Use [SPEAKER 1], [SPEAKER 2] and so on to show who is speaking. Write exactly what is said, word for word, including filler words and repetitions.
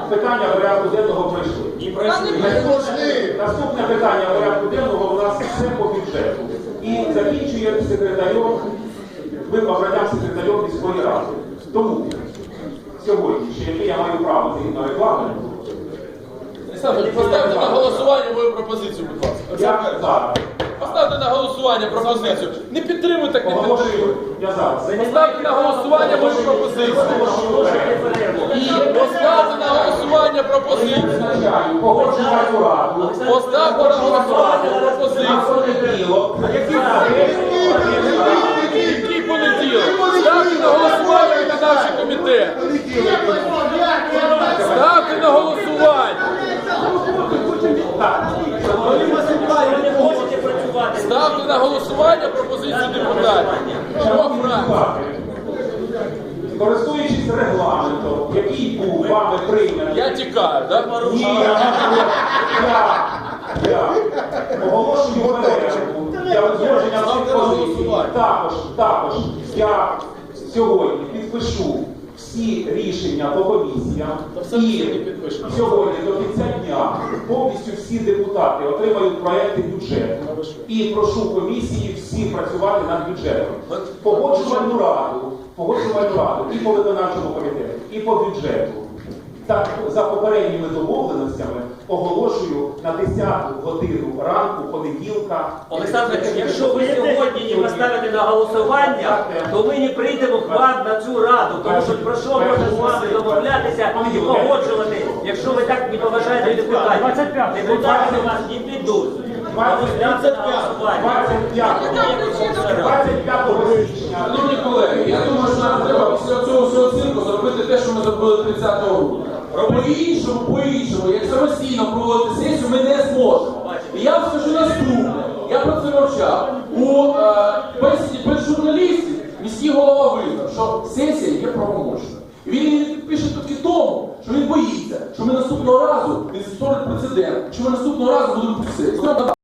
[SPEAKER 1] питання порядку денного пройшли. Наступне питання порядку денного у нас все по бюджету. І закінчує секретарем, ми обранням секретарем міської ради. Тому сьогодні, ще яке я маю право згідно регламенту,
[SPEAKER 2] Поставте на голосування мою пропозицію, будь ласка.
[SPEAKER 1] я зараз
[SPEAKER 2] Поставте на голосування пропозицію. Не підтримуй, так не підтримуй.
[SPEAKER 1] оголошую, я зараз.
[SPEAKER 2] Поставте на голосування мою пропозицію. Поставте на голосування пропозицію.
[SPEAKER 1] Визначаю погоджувальну раду.
[SPEAKER 2] Поставте на голосування пропозицію.
[SPEAKER 1] На понеділок.
[SPEAKER 2] Який понеділок? Ставте на голосування виконавчий комітет. Ставте на голосування. Ставте на голосування пропозицію депутатів.
[SPEAKER 1] Шановні депутати, користуючись регламентом, який був вами прийнятий,
[SPEAKER 2] Я тікаю, так?
[SPEAKER 1] ні, я, я, я оголошую перерву для узгодження цих позицій. Також, також я сьогодні підпишу всі рішення по комісіям і сьогодні до кінця дня повністю всі депутати отримають проекти бюджету і прошу комісії всі працювати над бюджетом. Погоджувальну раду, погоджувальну раду і по виконавчому комітету, і по бюджету. Так, за попередніми домовленостями оголошую на десяту годину ранку понеділка.
[SPEAKER 3] Олександр, якщо ви сьогодні не поставите на голосування, то ми не прийдемо к вам на цю раду. Тому що про що можна з вами домовлятися і погоджувати, якщо ви так не поважаєте депутатів. Депутати у вас не підуть.
[SPEAKER 1] двадцять п'ятого січня.
[SPEAKER 2] Шановні колеги, я думаю, що нам треба після цього всього цирку зробити те, що ми зробили тридцятого грудня. По-іншому, по-іншому, як самостійно проводити сесію, ми не зможемо. І я вам скажу наступне. Я про це мовчав. У е, бесіді без журналістів міський голова визнав, що сесія є правомочною. І він її підпише тільки тому, що він боїться, що ми наступного разу, він створить прецедент, що ми наступного разу будемо писати.